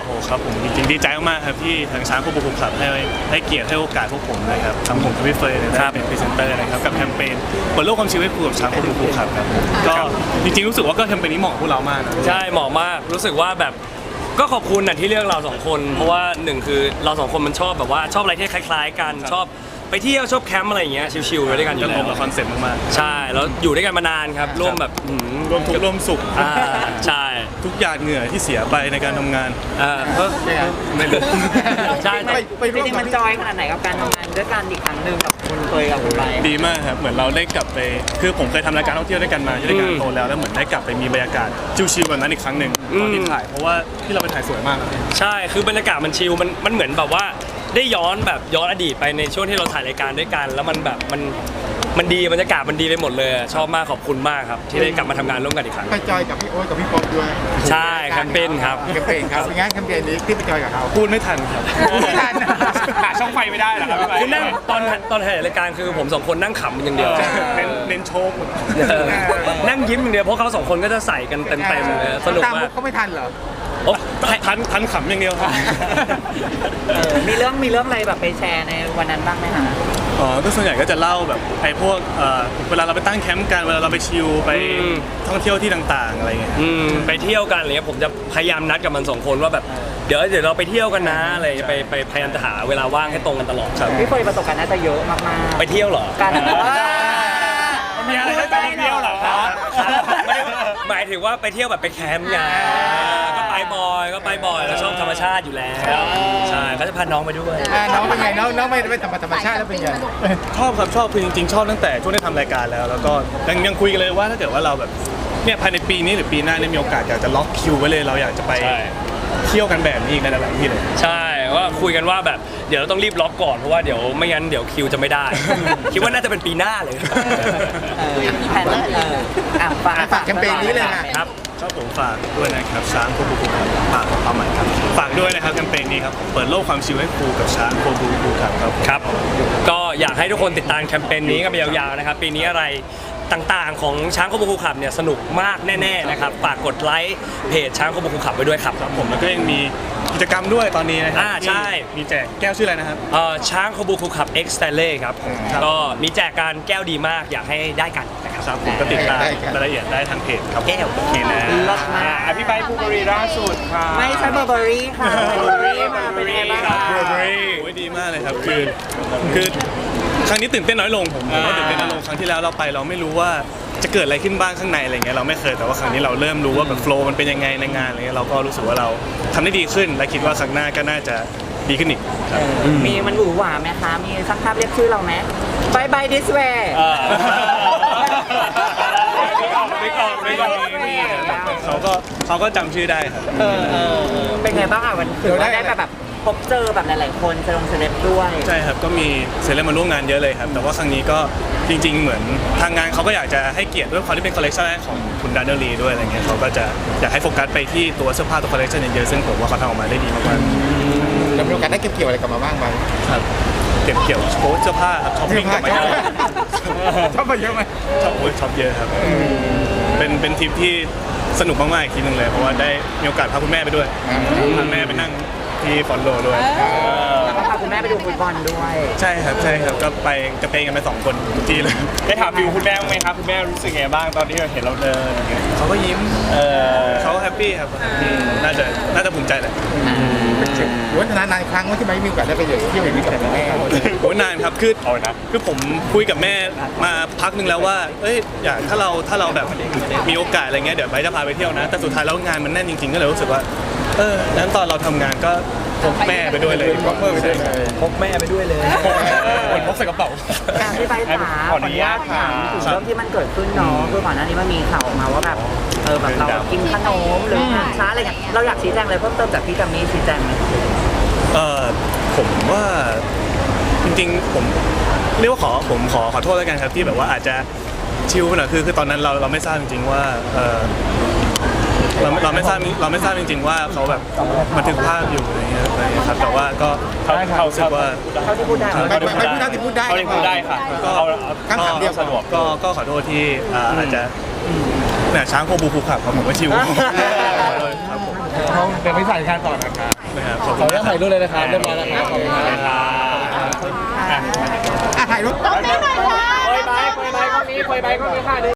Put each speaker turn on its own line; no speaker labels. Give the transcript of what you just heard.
โอ้ครับผมจริงๆดีใจมากๆครับที่ทางช้างควบคุมขับให้เกียรติให้โอกาสพวกผมนะครับทางผมกับพี่เฟย์ได้เป็นพรีเซนเตอร์นะครับกับแคมเปญเปิดโลกความชีวิตคู่กับช้างควบคุมขับครับก็จริงๆรู้สึกว่าก็แคมเปญนี้เหมาะกับพวกเรามากนะ
ใช่เหมาะมากรู้สึกว่าแบบก็ขอบคุณนะที่เลือกเราสองคนเพราะว่าหนึ่งคือเราสองคนมันชอบแบบว่าชอบอะไรที่คล้ายๆกันชอบไปเที่ยวชอบแคมป์อะไรอย่างเงี้ยชิลๆด้วยกันอยู่แล้ว
กับคอนเซ็ปต์มาก
ๆใช่แล้วอยู่ด้วยกันมานานครับร่วมแบบ
ร่วมทุกข์ร่วมสุข
ใช่
ทุกหยาดเหงื่อที่เสียไปในการทำงาน
ไม่รู้ใช่
จริงๆมันจอยขนาดไหนกับการทำงานด้วยกันอีกครั้งหนึ่งกับคุณเคยกับคุณไป
ดีมากครับเหมือนเราได้กลับไปคือผมเคยทำรายการท่องเที่ยวด้วยกันมาที่รายการโตแล้วเหมือนได้กลับไปมีบรรยากาศชิลๆแบบนั้นอีกครั้งหนึ่งตอนที่ถ่ายเพราะว่าที่เราไปถ่ายสวยมาก
ใช่คือบรรยากาศมันชิลมันเหมือนแบบว่าได้ย้อนอดีตไปในช่วงที่เราถ่ายรายการด้วยกันแล้วมันแบบมันดีบรรยากาศมันดีไปหมดเลยชอบมากขอบคุณมากครับที่ได้กลับมาทำงานร่วมกันอีกครั้ง
ไปจอยกับพี่โอ๊ตกับพี่ป๊อปด้วย
ใช่แคมเปญครับ
แคมเปญครับงานแคมเปญนี้ที่ไปจอยกับเขา
พูดไม่ทันครับ
ไม่ทัน
หาช่องไฟไม่ได้เหรอครับ
คือนั่งตอนถ่ายรายการคือผมสองคนนั่งขำอย่างเดียว
เน้นโชว์
นั่งยิ้มอย่างเดียวเพราะเขาสองคนก็จะใส่กันเต็มๆเลยสนุกมาก
เขาไม่ทันเหรอ
ทันขำอย่างเดียวครับ
มีเรื่องอะไรแบบไปแชร์ในวันนั้นบ้างไหมคะ
ก็ส่วนใหญ่ก็จะเล่าแบบไอ้พวกเวลาเราไปตั้งแคมป์กันเวลาเราไปชิลไปท่องเที่ยวที่ต่างๆอะไรเงี้ย
ไปเที่ยวกันอะไรเงี้ยผมจะพยายามนัดกับมันสองคนว่าแบบเดี๋ยวเราไปเที่ยวกันนะอะไรไปพยายามจะหาเวลาว่างให้ตรงกันตลอดครับ
พี่เฟย์ประสบการณ์น่าจะเยอะมาก
ๆไปเที่ยวเหรอ
การ
มีอะไรให้ไปเที่ยวเหรอครับ
หมายถึงว่าไปเที่ยวแบบไปแคมป์ไงก็ไปบ่อยแล้วชอบธรรมชาติอยู่แล้วใช่เขาจะพาน้องไปด้วย
น้องเป็นไงน้องไม่ไปธรรมชาติแล้วเป็นไง
ชอบครับชอบคือจริงๆชอบตั้งแต่ช่วงได้ทำรายการแล้วก็ยังคุยกันเลยว่าถ้าเกิดว่าเราแบบเนี่ยภายในปีนี้หรือปีหน้าได้มีโอกาสอยากจะล็อกคิวไว้เลยเราอยากจะไปเที่ยวกันแบบนี้อีกในหลายที่เลย
ใช่ว่าคุยกันว่าแบบเดี๋ยวเราต้องรีบล็อกก่อนเพราะว่าเดี๋ยวไม่งั้นเดี๋ยวคิวจะไม่ได้คิดว่าน่าจะเป็นปีหน้าเลย
แผน
ฝากแคมเปญนี้เลยนะครับ
ผมฝากด้วยนะครับช้างโคบูบูครับฝากความหมายครับฝากด้วยนะครับแคมเปญนี้ครับเปิดโลกความชิลให้ครูกับช้างโคบูบูครับ
ก็อยากให้ทุกคนติดตามแคมเปญนี้กันไปยาวๆนะครับปีนี้อะไรต่างๆของช้างโคบูบูขับเนี่ยสนุกมากแน่ๆนะครับฝากกดไลค์เพจช้างโคบูบูขับไว้ด้วยครับ
ผมแล้วก็ยังมีกิจกรรมด้วยตอนนี้นะครับ
ใช่
มีแจกแก้วชื่ออะไรนะครับ
ช้างโคบูบูขับ X Stanley ครับก็มีแจกการแก้วดีมากอยากให้ได้กัน
นะครับผมก็ติดตามรายละเอียดได้ทางเพจครับ
แก้ว
โอเคนะ
พี่ใบบูเบอรี่ล่าสุดค่ะ
ไม่ใช่เบอร์เบอรี่ค่ะเบอร์เบอรี่มาเป็นไงบ้าง
เบอร์เบอรี่โอ้ยดีมากเลยครับคือครั้งนี้ตื่นเต้นน้อยลงผมว่าตื่นเต้นน้อยลงครั้งที่แล้วเราไปเราไม่รู้ว่าจะเกิดอะไรขึ้นบ้างข้างในอะไรเงี้ยเราไม่เคยแต่ว่าครั้งนี้เราเริ่มรู้ว่าแบบโฟล์มันเป็นยังไงในงานอะไรเงี้ยเราก็รู้สึกว่าเราทำได้ดีขึ้นและคิดว่าครั้งหน้าก็น่าจะดีขึ้นอีก
มีมันหวือหวาไหมคะมีสักภาพเรียกชื่อเราไหมบายบายดิสเวย์
เขาก็จำชื่อได้ครับ
เป็นไงบ้างอ่ะวันคือได้แบบพบเจอแบบหลายๆคนเซเลบด้วย
ใช่ครับก็มีเซเลบมาร่วมงานเยอะเลยครับแต่ว่าครั้งนี้ก็จริงๆเหมือนทางงานเขาก็อยากจะให้เกียรติด้วยความที่เป็นคอลเลคชันแรกของคุณดานเนลลีด้วยอะไรเงี้ยเขาก็จะอยากให้โฟกัสไปที่ตัวเสื้อผ้าตัวคอลเลคชันเยอะๆซึ่งผมว่าเขาทำออกมาได้ดีมาก
ๆแล้วมีโอกาสได้เก็บเกี่ยวอะไรกลับมาบ้างไหม
ครับเก็บเกี่ยวโค้ชเสื้อผ้าครับช้อปปิ้งกลับมาเยอะ
ชอบไปเยอะไหม
ชอบเยอะครับเป็นทริปที่สนุกมากๆอีกทีนึงเลยเพราะว่าได้มีโอกาสพาคุณแม่ไปด้วยพาแม่ไปนั่งที่ฟอนโลด้วย
แล้วก็พาคุณแม่ไปดูฟุตบอลด้วย
ใช่ครับก็ไปกระเตงกันไป2 คนทุกทีเลย
ได้ถามฟิวคุณแม่ไหมครับคุณแม่รู้สึกไงบ้างตอนที่เห็นเราเดิน
เขาก็ยิ้มเขาแฮปปี้ครับน่าจะภูมิใจแหละ
วันนานครั้งว่าที่ไม่มีโอกาสได้ไปเที่ยวอย่างนี้กับแม่
โอ้นานครับคือผมคุยกับแม่มาพักนึงแล้วว่าอยากถ้าเราแบบมีโอกาสอะไรเงี้ยเดี๋ยวไปจะพาไปเที่ยวนะแต่สุดท้ายแล้วงานมันแน่นจริงๆก็เลยรู้สึกว่านั้นตอนเราทำงานก็พกแม่ไปด้วยเลย
พกแม่ไปด้วยเลย
พกใส่กระเป๋า
พี่ใบขาขออนุญาตถามถึงเรื่องที่มันเกิดขึ้นเนาะคือก่อนหน้านี้มันมีข่าวออกมาว่าแบบแบบเรากินขนมหรือช้าอะไรเงี้ยเราอยากชี้แจงอะไรเพิ่มเติมจากพี่กัมมี่ชี้แจงไหม
ผมว่าจริงๆผมเรียกว่าผมขอโทษแล้วกันครับที่แบบว่าอาจจะชิลไปหน่อยคือตอนนั้นเราไม่ทราบจริงๆว่าเราไม่ทราบจริงๆว่าเขาแบบบันทึกภาพอยู่อะไรเงี้ยครับแต่ว่าก็เขารู้สึกว่า
เขาที่พูดได้
ค่ะ
ก็ขอโทษที่อาจจะช้างโคบูคูขับผมว่าชิว
เขาเดี๋ยวไปใส่งานต่อนะครับ
นะครับขอบ
ข
คุ
อ
ณ
อนุญาตถ่ายรูปเลยนะครับเรียบร้อยแล้วครับขอบคุณครับถ่ายรูป
โปรยใบก็มีโปรยใบก็มีค่ะ